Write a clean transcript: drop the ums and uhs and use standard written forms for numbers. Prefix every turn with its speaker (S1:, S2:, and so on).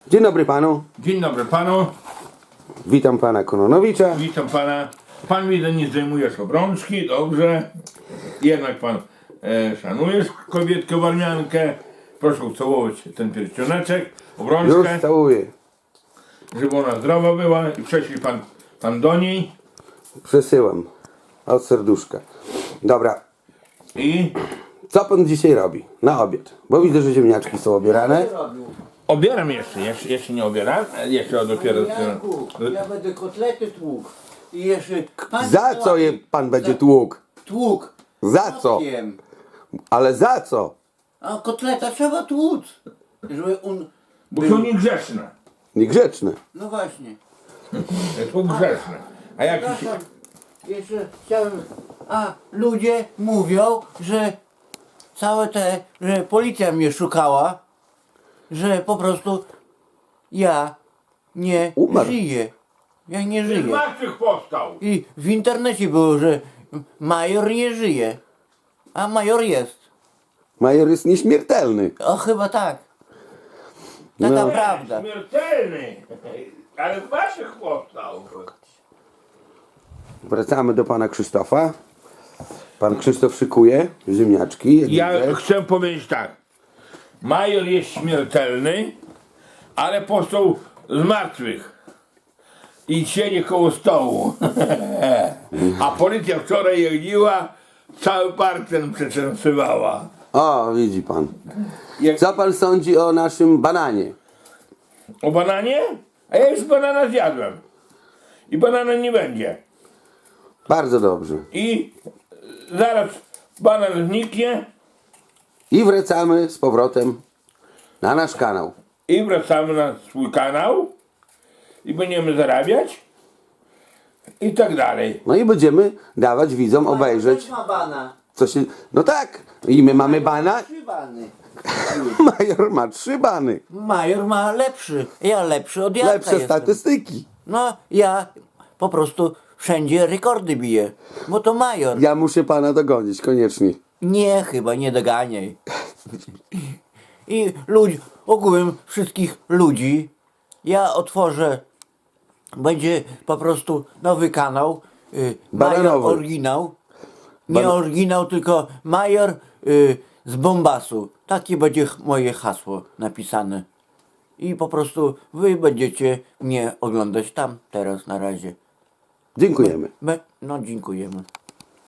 S1: Dzień dobry panu.
S2: Dzień dobry panu.
S1: Witam pana Kononowicza.
S2: Witam pana. Pan widzę, nie zdejmujesz obrączki, dobrze. Jednak pan szanujesz kobietkę warmiankę. Proszę ucałować ten pierścioneczek,
S1: Już
S2: obrączkę,
S1: całuję.
S2: żeby ona zdrowa była i prześlij pan do niej.
S1: Przesyłam. Od serduszka. Dobra.
S2: I
S1: Co pan dzisiaj robi? Na obiad. Bo widzę, że ziemniaczki są obierane.
S2: obieram jeszcze nie obieram, jeszcze dopiero...
S3: Janku, ja będę kotlety tłukł. I jeszcze...
S1: Za co je pan będzie tłukł?
S3: Tłuk.
S1: Za co?
S3: Wiem.
S1: Ale za co?
S3: A kotleta trzeba tłuc. Żeby on...
S2: Bo są niegrzeczne.
S1: Niegrzeczne.
S3: No właśnie.
S2: Są grzeczne. A jak...
S3: Przepraszam, jeszcze chciałem... A ludzie mówią, że całe że policja mnie szukała, że po prostu ja nie
S1: Umarł.
S3: żyję. Ja nie
S2: Z
S3: żyję.
S2: martwych powstał.
S3: I w internecie było, że major nie żyje. A major jest.
S1: Major jest nieśmiertelny.
S3: O, chyba tak. Taka
S1: No.
S3: prawda.
S2: Śmiertelny. Ale z waszych powstał.
S1: Wracamy do pana Krzysztofa. Pan Krzysztof szykuje ziemniaczki. jak
S2: Ja
S1: widzę.
S2: chcę powiedzieć tak. Major jest śmiertelny, ale powstał z martwych. I siedzi koło stołu. A policja wczoraj jeździła, cały park ten przeczęsywała.
S1: O, widzi pan.
S2: Jak...
S1: Co pan sądzi o naszym bananie?
S2: O bananie? A ja już banana zjadłem. I banana nie będzie.
S1: Bardzo dobrze.
S2: I zaraz banan zniknie
S1: I wracamy z powrotem na nasz kanał.
S2: i wracamy na swój kanał i będziemy zarabiać i tak dalej.
S1: No i będziemy dawać widzom obejrzeć,
S3: Też ma bana.
S1: co się... No tak, i my mamy bana.
S3: 3 bany.
S1: Major ma 3 bany.
S3: Major ma lepszy. Ja lepszy od Janka
S1: Lepsze
S3: jestem.
S1: statystyki.
S3: No, ja po prostu wszędzie rekordy biję. Bo to major.
S1: Ja muszę pana dogonić, koniecznie.
S3: Nie, chyba nie doganiaj. I ogółem wszystkich ludzi, ja otworzę, będzie po prostu nowy kanał, Major
S1: Bananowy.
S3: Oryginał. Nie oryginał, tylko Major z Bombasu. Takie będzie moje hasło napisane. I po prostu wy będziecie mnie oglądać tam teraz na razie.
S1: Dziękujemy.
S3: No, dziękujemy.